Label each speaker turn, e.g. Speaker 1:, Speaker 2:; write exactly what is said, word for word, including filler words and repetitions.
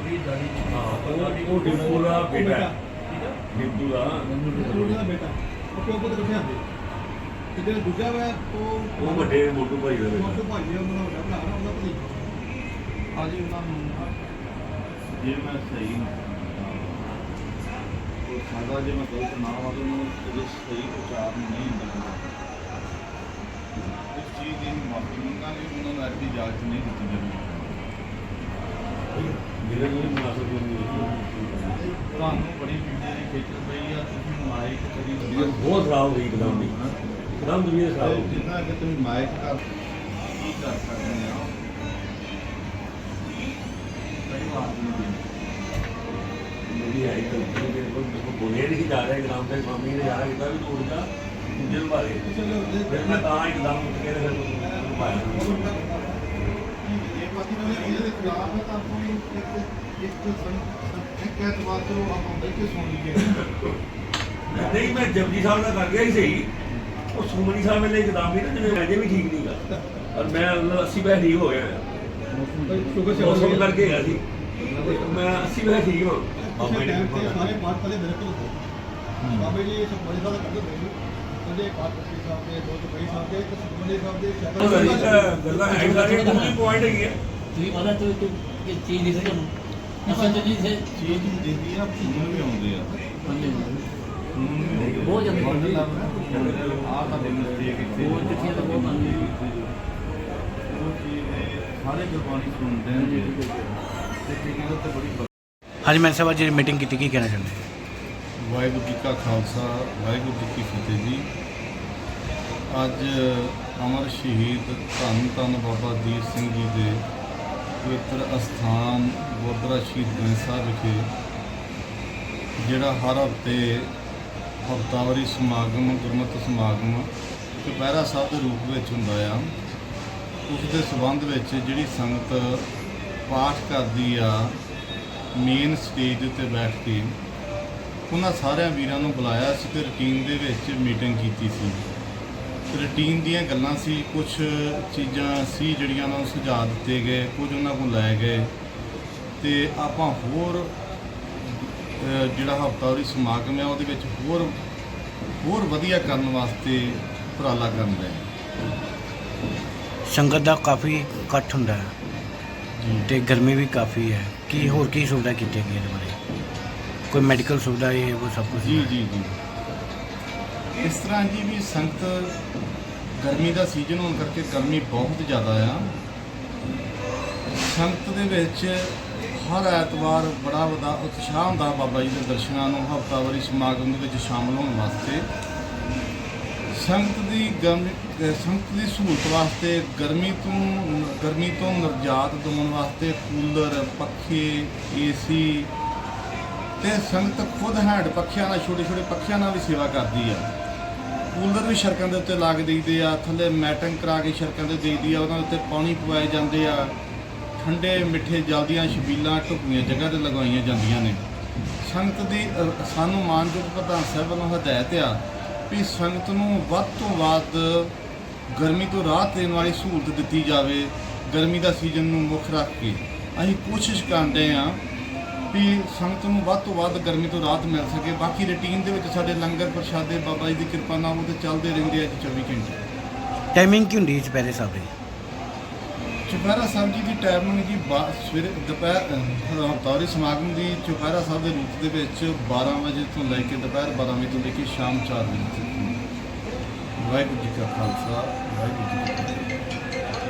Speaker 1: हाँ वो डिप्पू का बेटा है, डिप्पू का
Speaker 2: ਦਾ ਬੇਟਾ ਉਹ ਪਿਓ ਪੁੱਤ ਇਕੱਠੇ ਆਉਂਦੇ ਤੇ ਜਿਹੜਾ ਦੂਜਾ ਵਾ ਉਹ
Speaker 1: वो ਵੱਡੇ ਮੋਟੂ ਭਾਈ ਦਾ
Speaker 2: ਉਹ
Speaker 1: ਬੇਟਾ।
Speaker 2: ਭਾਈ ਆ, ਉਹਨਾਂ ਦਾ ਵੱਡਾ ਭਰਾ ਨਾ, ਉਹਦਾ ਭਤੀਜਾ।
Speaker 3: ਹਾਂਜੀ ਉਹਨਾਂ ਨੂੰ ਜੇ ਮੈਂ ਸਹੀ ਉਹ ਸਾਦਾ ਜੇ ਮੈਂ ਗਲਤ ਨਾ ਵਾ ਤਾਂ ਉਹਨੂੰ ਉਹਦੇ ਸਹੀ ਉਚਾਰ ਨਹੀਂ ਹੁੰਦਾ ਇਸ ਚੀਜ਼ ਦੀ ਮਾਫੀ ਮੰਗਾਂਗੇ, ਉਹਨਾਂ ਨੂੰ ਐਡੀ ਇਜਾਜ਼ਤ ਨਹੀਂ ਦਿੱਤੀ ਜਾਵੇਗੀ।
Speaker 1: मेरे लिए मुनासिब नहीं है।
Speaker 3: ਤੁਹਾਨੂੰ ਬੜੀ ਵੀਡੀਓ ਦੀ ਖੇਚਲ ਪਈ ਆ, ਤੁਸੀਂ ਮਾਈਕ ਕਰੀ
Speaker 1: तबीयत बहुत खराब हो गई एकदम ही, एकदम तबीयत खराब हो गई।
Speaker 3: ਜਿੰਨਾ ਕਿ ਤੁਸੀਂ ਮਾਈਕ ਕਰ ਕੀ ਕਰ ਸਕਦੇ ਆ ਕਈ ਵਾਰ ਨਹੀਂ
Speaker 1: मेरी आई गलती मेरे को मेरे को बोले नहीं जा रहा एकदम से स्वामी ने यार इतना भी तोड़ दिया मुझे मारे
Speaker 2: ਚਲੋ
Speaker 1: फिर मैं कहाँ एकदम उठ के फिर पाया
Speaker 2: ਇਹ ਪਾਰਟੀ ਵਾਲੇ ਇਹਦੇ ਦੇ ਖਿਲਾਫ ਹੈ ਤਾਂ ਆਪਾਂ ਨੂੰ ਇੱਕ ਇੱਕ ਸੰ- ਇੱਕ ਐਤਵਾਰ ਤੋਂ ਆਪਾਂ ਬੈਠ ਕੇ ਸੁਣ ਲਈਏ।
Speaker 1: नहीं मैं जपजी साहब का कर गया ही सही और सुमनी साहब मेरे एकदम भी ना जिन्हें वैसे भी ठीक नहीं था और मैं मतलब अस्सी पैसे ठीक हो गया
Speaker 2: ਸ਼ੁਗਰ ਸੇ
Speaker 1: मौसम करके गया थी मैं अस्सी पैसे ठीक हूँ
Speaker 2: ਬਾਬੇ ਨੇ ਸਾਰੇ ਪਾਠ ਪਹਿਲੇ ਮੇਰੇ ਕੋਲ ਹੋਏ। ਬਾਬੇ ਜੀ ਸਭ ਬੜੇ ਸਾਰਾ ਕਰਦੇ ਪਏ ਉਹਦੇ ਪਾਠ ਪੱਤੀ ਸਾਹਿਬ ਦੇ ਦੋ ਚਪਈ ਸਾਹਿਬ ਦੇ ਇੱਕ ਸੁਖਮਨੀ ਸਾਹਿਬ ਦੇ ਸ਼ਬਦ
Speaker 1: ਗੱਲਾਂ ਹੈ ਸਾਰੇ ਕੋਈ ਪੁਆਇੰਟ ਹੈਗੀ ਹੈ
Speaker 4: ਤੁਸੀਂ ਪਤਾ ਤੂੰ ਤੂੰ ਕਿ ਚੀਜ਼ ਦਿਸੇ ਤੁਹਾਨੂੰ ਅਸਲ ਚ ਜੀ ਸੇ
Speaker 3: ਚੀਜ਼ ਨੂੰ ਦਿੰਦੀ ਆ ਭੂਣ ਵੀ ਆਉਂਦੇ ਆ
Speaker 4: ਬਹੁਤ ਜ਼ਿਆਦਾ ਬਣਦੀ ਆ
Speaker 3: ਆਹ ਤਾਂ ਦਿਨ ਦੇ ਕਿਤੇ
Speaker 4: ਬਹੁਤ ਚਿੱਠੀਆਂ ਤਾਂ ਬਹੁਤ ਆਉਂਦੀਆਂ
Speaker 3: ਉਹ ਚੀਜ਼ ਦੇ ਸਾਰੇ ਗੁਰਬਾਣੀ ਸੁਣਦੇ ਨੇ ਤੇ ਕਿਹਦੀ ਗੱਲ ਤੇ ਬੜੀ
Speaker 5: ਹਾਂਜੀ ਮੈਂ ਸਾਹਿਬ ਅੱਜ ਮੀਟਿੰਗ ਕੀਤੀ, ਕੀ ਕਹਿਣਾ ਚਾਹੁੰਦੇ?
Speaker 3: ਵਾਹਿਗੁਰੂ ਜੀ ਕਾ ਖਾਲਸਾ ਵਾਹਿਗੁਰੂ ਜੀ ਕੀ ਫਤਿਹ ਜੀ। ਅੱਜ ਅਮਰ ਸ਼ਹੀਦ ਧੰਨ ਧੰਨ ਬਾਬਾ ਦੀਪ ਸਿੰਘ ਜੀ ਦੇ ਪਵਿੱਤਰ ਅਸਥਾਨ ਗੁਰਦੁਆਰਾ ਸ਼ਹੀਦ ਗੰਜ ਸਾਹਿਬ ਵਿਖੇ ਜਿਹੜਾ ਹਰ ਹਫ਼ਤੇ ਹਫ਼ਤਾਵਾਰੀ ਸਮਾਗਮ ਗੁਰਮਤਿ ਸਮਾਗਮ ਚੁਪਹਿਰਾ ਸਾਹਿਬ ਦੇ ਰੂਪ ਵਿੱਚ ਹੁੰਦਾ ਆ, ਉਸ ਦੇ ਸੰਬੰਧ ਵਿੱਚ ਜਿਹੜੀ ਸੰਗਤ ਪਾਠ ਕਰਦੀ ਆ ਮੇਨ ਸਟੇਜ ਦੇ ਉੱਤੇ ਬੈਠ ਕੇ ਉਹਨਾਂ ਸਾਰਿਆਂ ਵੀਰਾਂ ਨੂੰ ਬੁਲਾਇਆ ਸੀ ਤੇ ਰੂਟੀਨ ਦੇ ਵਿੱਚ ਮੀਟਿੰਗ ਕੀਤੀ ਸੀ। ਰੂਟੀਨ ਦੀਆਂ ਗੱਲਾਂ ਸੀ, ਕੁਝ ਚੀਜ਼ਾਂ ਸੀ ਜਿਹੜੀਆਂ ਉਹਨਾਂ ਨੂੰ ਸੁਝਾਅ ਦਿੱਤੇ ਗਏ, ਕੁਝ ਉਹਨਾਂ ਕੋਲ ਲੈ ਗਏ ਤੇ ਆਪਾਂ ਹੋਰ ਜਿਹੜਾ ਹਫ਼ਤਾਵਾਰੀ ਸਮਾਗਮ ਹੈ ਉਹਦੇ ਵਿੱਚ ਹੋਰ ਹੋਰ ਵਧੀਆ ਕਰਨ ਵਾਸਤੇ ਉਪਰਾਲਾ ਕਰਨ ਰਹੇ।
Speaker 5: ਸੰਗਤ ਦਾ ਕਾਫੀ ਇਕੱਠ ਹੁੰਦਾ ਹੈ
Speaker 3: ਜੀ
Speaker 5: ਤੇ ਗਰਮੀ ਵੀ ਕਾਫੀ ਹੈ, ਕੀ ਹੋਰ ਕੀ ਸੁਵਿਧਾ ਕੀਤੀ ਗਈ ਇਹਦੇ ਬਾਰੇ? ਕੋਈ ਮੈਡੀਕਲ ਸੁਵਿਧਾ ਇਹ ਉਹ ਸਭ ਕੁਝ?
Speaker 3: ਜੀ ਜੀ ਜੀ ਇਸ ਤਰ੍ਹਾਂ ਜੀ ਵੀ ਸੰਗਤ ਗਰਮੀ ਦਾ ਸੀਜ਼ਨ ਹੋਣ ਕਰਕੇ ਗਰਮੀ ਬਹੁਤ ਜ਼ਿਆਦਾ ਆ। ਸੰਗਤ ਦੇ ਵਿੱਚ ਹਰ ਐਤਵਾਰ ਬੜਾ ਵੱਡਾ ਉਤਸ਼ਾਹ ਹੁੰਦਾ ਬਾਬਾ ਜੀ ਦੇ ਦਰਸ਼ਨਾਂ ਨੂੰ ਹਫ਼ਤਾਵਾਰੀ ਸਮਾਗਮ ਦੇ ਵਿੱਚ ਸ਼ਾਮਲ ਹੋਣ ਵਾਸਤੇ। ਸੰਗਤ ਦੀ ਗਰਮੀ ਸੰਗਤ ਦੀ ਸਹੂਲਤ ਵਾਸਤੇ ਗਰਮੀ ਤੋਂ ਗਰਮੀ ਤੋਂ ਨਿਜਾਤ ਦਿਵਾਉਣ ਵਾਸਤੇ ਕੂਲਰ, ਪੱਖੇ, ਏਸੀ ਤੇ ਸੰਗਤ ਖੁਦ ਹੈਂਡ ਪੱਖਿਆਂ ਨਾਲ ਛੋਟੇ ਛੋਟੇ ਪੱਖਿਆਂ ਨਾਲ ਵੀ ਸੇਵਾ ਕਰਦੀ ਆ। ਕੂਲਰ ਵੀ ਸੜਕਾਂ ਦੇ ਉੱਤੇ ਲਾ ਕੇ ਦੇਈਦੇ ਆ, ਥੱਲੇ ਮੈਟਿੰਗ ਕਰਾ ਕੇ ਸੜਕਾਂ 'ਤੇ ਦੇਈਦੀ ਆ, ਉਹਨਾਂ ਉੱਤੇ ਪਾਣੀ ਪਵਾਏ ਜਾਂਦੇ ਆ, ਠੰਡੇ ਮਿੱਠੇ ਜਲ ਦੀਆਂ ਛਬੀਲਾਂ ਢੁੱਕਵੀਆਂ ਜਗ੍ਹਾ 'ਤੇ ਲਗਾਈਆਂ ਜਾਂਦੀਆਂ ਨੇ। ਸੰਗਤ ਦੀ ਸਾਨੂੰ ਮਾਨਯੋਗ ਪ੍ਰਧਾਨ ਸਾਹਿਬ ਵੱਲੋਂ ਹਦਾਇਤ ਆ ਵੀ ਸੰਗਤ ਨੂੰ ਵੱਧ ਤੋਂ ਵੱਧ ਗਰਮੀ ਤੋਂ ਰਾਹਤ ਦੇਣ ਵਾਲੀ ਸਹੂਲਤ ਦਿੱਤੀ ਜਾਵੇ। ਗਰਮੀ ਦਾ ਸੀਜ਼ਨ ਨੂੰ ਮੁੱਖ ਰੱਖ ਕੇ ਅਸੀਂ ਕੋਸ਼ਿਸ਼ ਕਰਦੇ ਹਾਂ ਵੀ ਸੰਗਤ ਨੂੰ ਵੱਧ ਤੋਂ ਵੱਧ ਗਰਮੀ ਤੋਂ ਰਾਹਤ ਮਿਲ ਸਕੇ। ਬਾਕੀ ਰੂਟੀਨ ਦੇ ਵਿੱਚ ਸਾਡੇ ਲੰਗਰ ਪ੍ਰਸ਼ਾਦੇ ਬਾਬਾ ਜੀ ਦੀ ਕਿਰਪਾ ਨਾਲ ਉਹ ਤੇ ਚੱਲਦੇ ਰਹਿੰਦੇ ਆ ਜੀ ਚੌਵੀ ਘੰਟੇ।
Speaker 5: ਟਾਈਮਿੰਗ ਕੀ ਹੁੰਦੀ ਹੈ ਚੁਪਹਿਰੇ ਸਾਹਿਬ ਦੀ?
Speaker 3: ਚੁਪਹਿਰਾ ਸਾਹਿਬ ਜੀ ਦੀ ਟਾਈਮਿੰਗ ਜੀ ਬਾ- ਸਵੇਰੇ ਦੁਪਹਿਰ ਹਫ਼ਤਾਵਾਰੀ ਸਮਾਗਮ ਦੀ ਚੁਪਹਿਰਾ ਸਾਹਿਬ ਦੇ ਰੂਪ ਦੇ ਵਿੱਚ ਬਾਰ੍ਹਾਂ ਵਜੇ ਤੋਂ ਲੈ ਕੇ ਦੁਪਹਿਰ ਬਾਰ੍ਹਾਂ ਵਜੇ ਤੋਂ ਲੈ ਕੇ ਸ਼ਾਮ ਚਾਰ ਵਜੇ ਤੱਕ। ਵਾਹਿਗੁਰੂ ਜੀ ਕਾ ਖਾਲਸਾ ਵਾਹਿਗੁਰੂ ਜੀ ਕੀ ਫਤਿਹ।